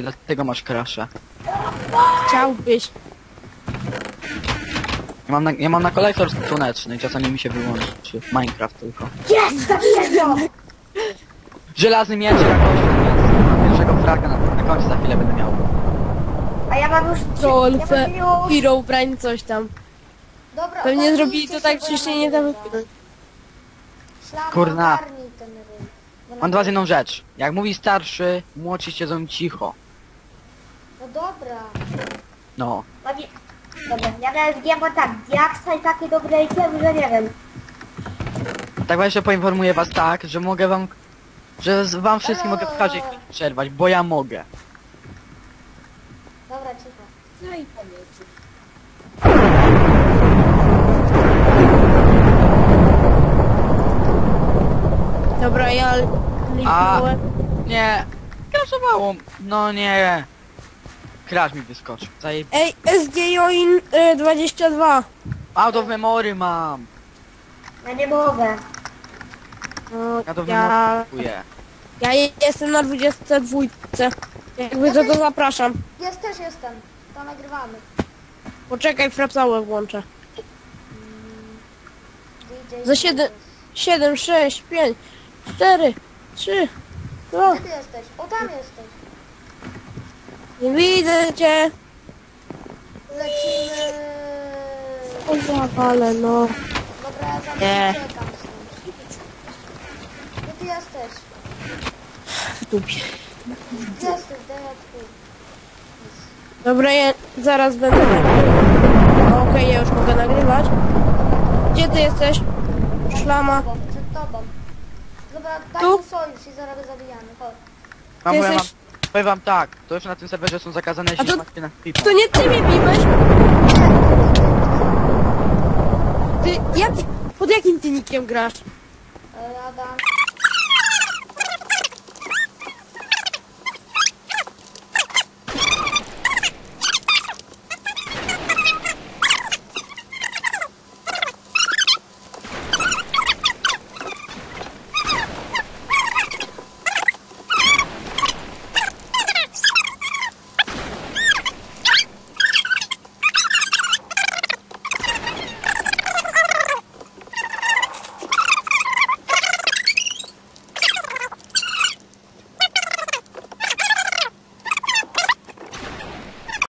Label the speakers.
Speaker 1: dlatego masz crasha.
Speaker 2: Chciałbyś.
Speaker 1: Ja mam na kolektor słoneczny i czasami mi się wyłączy. Minecraft tylko.
Speaker 3: Jest! Zabiję!
Speaker 1: Żelazny miecz jakoś, więc mam pierwszego fraga na końcu za chwilę będę miał.
Speaker 3: A ja mam już...
Speaker 2: Troll,
Speaker 3: ja mam już...
Speaker 2: Hero, brain, coś tam.
Speaker 4: Dobra,
Speaker 2: Pewnie
Speaker 4: ogarnijcie
Speaker 2: zrobili to tak,
Speaker 4: bo
Speaker 2: że
Speaker 4: ja
Speaker 2: się nie da
Speaker 4: nagrywa.
Speaker 2: wypchnąć.
Speaker 4: Szlama,
Speaker 1: Kurna.
Speaker 4: ogarnij ten ryj. Bo
Speaker 1: Mam do was jedną rzecz. Jak mówi starszy, młodsi siedzą cicho.
Speaker 4: No dobra.
Speaker 1: No.
Speaker 3: Dobra, ja na SG bo tak, diaksa i takie dobre itemy, że nie wiem.
Speaker 1: Tak właśnie poinformuję was tak, że mogę wam... Że wam wszystkim mogę w każdej chwili przerwać, bo ja mogę.
Speaker 4: Dobra, cicho.
Speaker 2: No i powiedz. Dobra, ja kliknąłem.
Speaker 1: Nie. Crashowało. No nie. Crash mi wyskoczył.
Speaker 2: Ej, SG Join 22.
Speaker 1: Out of memory mam.
Speaker 3: Ja nie mogę.
Speaker 2: No,
Speaker 1: Ja to
Speaker 2: ja
Speaker 1: wymokuję.
Speaker 2: jestem na 22. Jakby to zapraszam.
Speaker 4: Jest też jestem. To nagrywamy.
Speaker 2: Poczekaj, frapsałę włączę.
Speaker 4: DJ
Speaker 2: Za 7, 6, 5, 4, 3, 2.
Speaker 4: Gdzie ty jesteś? O, tam jesteś.
Speaker 2: Nie widzę cię.
Speaker 4: Lecimy.
Speaker 2: O zawale, no.
Speaker 4: Dobra, ja za
Speaker 2: Nie.
Speaker 4: nim uciekam stąd. Gdzie ty jesteś?
Speaker 2: W dupie.
Speaker 4: Gdzie jesteś? Daj ja tu.
Speaker 2: Dobra, ja zaraz będę nagrywać. Okej, ja już mogę nagrywać. Gdzie ty jesteś? Szlama.
Speaker 4: Przed tobą. Dobra, daj
Speaker 2: Tu?
Speaker 4: mu sojusz i zaraz go zabijamy. Chodź.
Speaker 1: Mam, powiem,
Speaker 2: jesteś-
Speaker 1: powiem wam tak, to już na tym serwerze są zakazane
Speaker 2: A to-
Speaker 1: ślimaczki na pipa.
Speaker 2: To nie ty mnie biłeś? Ty, jak, pod jakim ty nickiem grasz?
Speaker 4: Adam.